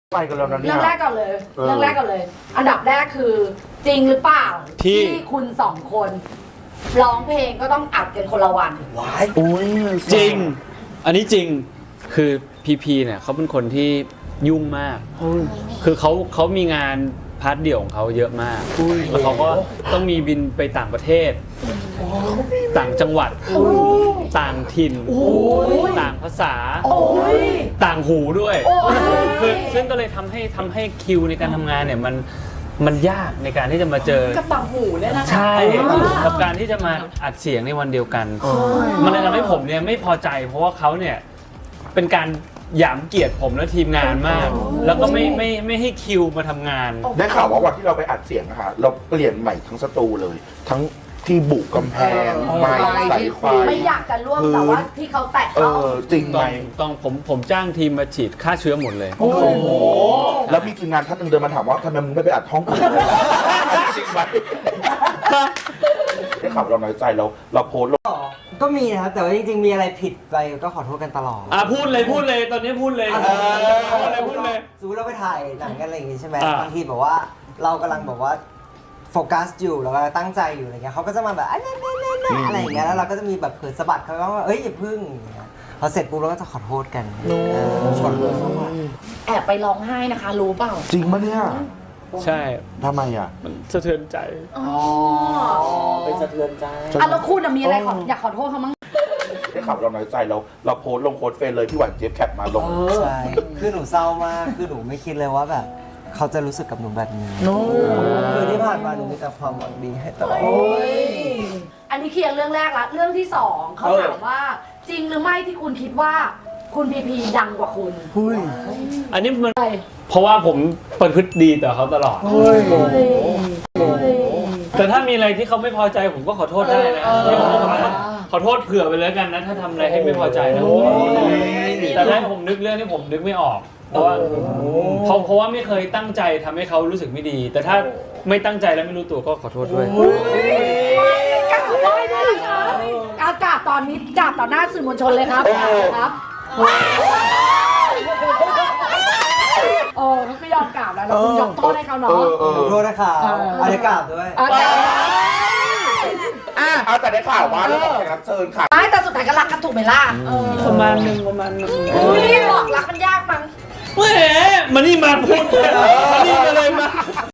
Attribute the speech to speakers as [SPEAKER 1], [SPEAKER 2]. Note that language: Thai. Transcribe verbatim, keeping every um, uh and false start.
[SPEAKER 1] ไปกันแล้วนะเนี่ย
[SPEAKER 2] เรื่องแรกก่อนเลยเรื่องแรกก่อนเลย อันดับแรกคือจริงหรือเปล่า
[SPEAKER 3] ที่
[SPEAKER 2] คุณสองคนร้องเพลงก็ต้องอัดกันคนละวัน
[SPEAKER 1] ว้ายอุ้ย
[SPEAKER 3] จริง อันนี้จริง คือพีพีเนี่ยเขาเป็นคนที่ยุ่งมาก คือเขาเขามีงานพาร์ทเดี่ยวของเขาเยอะมาก แล้วเขาก็ต้องมีบินไปต่างประเทศ ต่างจังหวัด ต่างถิ่น ต่างภาษา
[SPEAKER 2] โอ้ย
[SPEAKER 3] ต่างหูด้วย
[SPEAKER 2] โอ้ย
[SPEAKER 3] คือซึ่งก็เลยทำให้ทำให้คิวในการทำงานเนี่ยมันมันยากในการที่จะมาเจอ
[SPEAKER 2] กับต่างหูเนี่ยนะคะ
[SPEAKER 3] ใช่กับการที่จะมาอัดเสียงในวันเดียวกัน มันเลยทำให้ผมเนี่ยไม่พอใจ เพราะว่าเขาเนี่ยเป็นการหยามเกียรติผมและทีมงานมาก แล้วก็ไม่ไม่ไม่ให้คิวมาทำงาน
[SPEAKER 1] ได้ข่าวว่าวันที่เราไปอัดเสียงอะค่ะเราเปลี่ยนใหม่ทั้งสตูเลย ทั้งที่บุกกำแพงไม้สายไฟ
[SPEAKER 2] ไม่อยากจะร่วมแต่ว่าที่เขาแตะ
[SPEAKER 1] เอ
[SPEAKER 2] เขา
[SPEAKER 1] อจริงไหม
[SPEAKER 3] ต้องต้องผมผมจ้างทีมมาฉีดฆ่าเชื้อหมดเลย
[SPEAKER 1] โอ้โหแล้วพี่ทีมงานท่านหนึ่งเดินมาถามว่าทำไมมึงไม่ไปอัดห้องอื่นเลยล่ะจริงไหมได้ข่าวเราน้อยใจเราเราโพสต์ลง
[SPEAKER 4] ก็มีนะครับ แต่ว่าจริงๆ มีอะไรผิดไปก็ขอโทษกันตลอด
[SPEAKER 3] อ่ะพูดเลยพูดเลยตอนนี้พูดเลย
[SPEAKER 4] อ่ะ
[SPEAKER 3] พูดเลยพูดเลย
[SPEAKER 4] สมมติเราไปถ่ายหนังกันอะไรอย่างงี้ใช่ไหม
[SPEAKER 3] อ่า
[SPEAKER 4] บางทีแบบว่าเรากำลังแบบว่าโฟกัสอยู่เรากำลังตั้งใจอยู่อะไรเงี้ยเขาก็จะมาแบบอ่ะเนี่ยเนี่ยเนี่ยเนี่ยอะไรอย่างเงี้ยแล้วเราก็จะมีแบบเผลอสะบัดเขาว่าเอ้ยอย่าพึ่งอย่างเงี้ยพอเสร็จปุ๊บเราก็จะขอโทษกันเออชนเลยสวัสดี
[SPEAKER 2] แอบไปร้องไห้นะคะ รู้เปล่า
[SPEAKER 1] จริงปะเนี่ย
[SPEAKER 3] ใช่
[SPEAKER 1] ทำไมอ่ะ
[SPEAKER 3] มันสะเทือนใจ
[SPEAKER 2] อ๋อ
[SPEAKER 4] เป็นสะเทือนใจ
[SPEAKER 2] อ่ะแล้วคุณอะมีอะไรขออยากขอโทษเขามั้ง
[SPEAKER 1] ได้ข่าวเราน้อยใจเราเราโพสต์ลงโค้ดเฟซเลยพี่หวานเจี๊ยบแคปมาลง
[SPEAKER 4] ใช่คือหนูเศร้ามากคือหนูไม่คิดเลยว่าแบบเขาจะรู้สึกกับหนูแบบนี้คือที่ผ่านมาหนูมีแต่ความหวังดีให้ตลอด
[SPEAKER 2] อันนี้เคลียร์เรื่องแรกละเรื่องที่สองเขาถามว่า จริงหรือไม่ที่คุณคิดว่า คุณพีพีดังกว่าคุณ
[SPEAKER 3] อันนี้มัน
[SPEAKER 2] ใช่
[SPEAKER 3] เพราะว่าผมประพฤติดีต่อเขาตลอด แต่ถ้ามีอะไรที่เขาไม่พอใจผมก็ขอโทษได้นะที่ผมก็ขอโทษขอโทษเผื่อไปเลยกันนะ ถ้าทำอะไรให้ไม่พอใจนะแต่ถ้าผมนึกเรื่องที่ผมนึกไม่ออก เพราะว่าเพราะเพราะว่าไม่เคยตั้งใจทำให้เขารู้สึกไม่ดี แต่ถ้าไม่ตั้งใจแล้วไม่รู้ตัวก็ขอโทษด้วย
[SPEAKER 2] กราบไหว้ด้วยนะคะเอากราบตอนนี้กราบต่อหน้าสื่อมวลชนเลยครับครับโอ้เขาก็ยอมกราบแล้วเราคุณยกโทษให้เขาเนาะ
[SPEAKER 1] เออเออ
[SPEAKER 4] ขอโทษนะคะอันนี้กราบด้วย
[SPEAKER 2] อ่ะ
[SPEAKER 1] อ่ะแต่ได้ข่าวว่าเรื่องของแขกรับเชิญค่ะ
[SPEAKER 2] ไม่แต่สุดท้ายก็รักกันถูกไหมล่ะ
[SPEAKER 3] ประมาณหนึ่งประมาณหนึ่ง
[SPEAKER 2] อุ้ยบอกรักมันยากมั้ง
[SPEAKER 3] แหมมานี่มาพูดมานี่มาเลยมา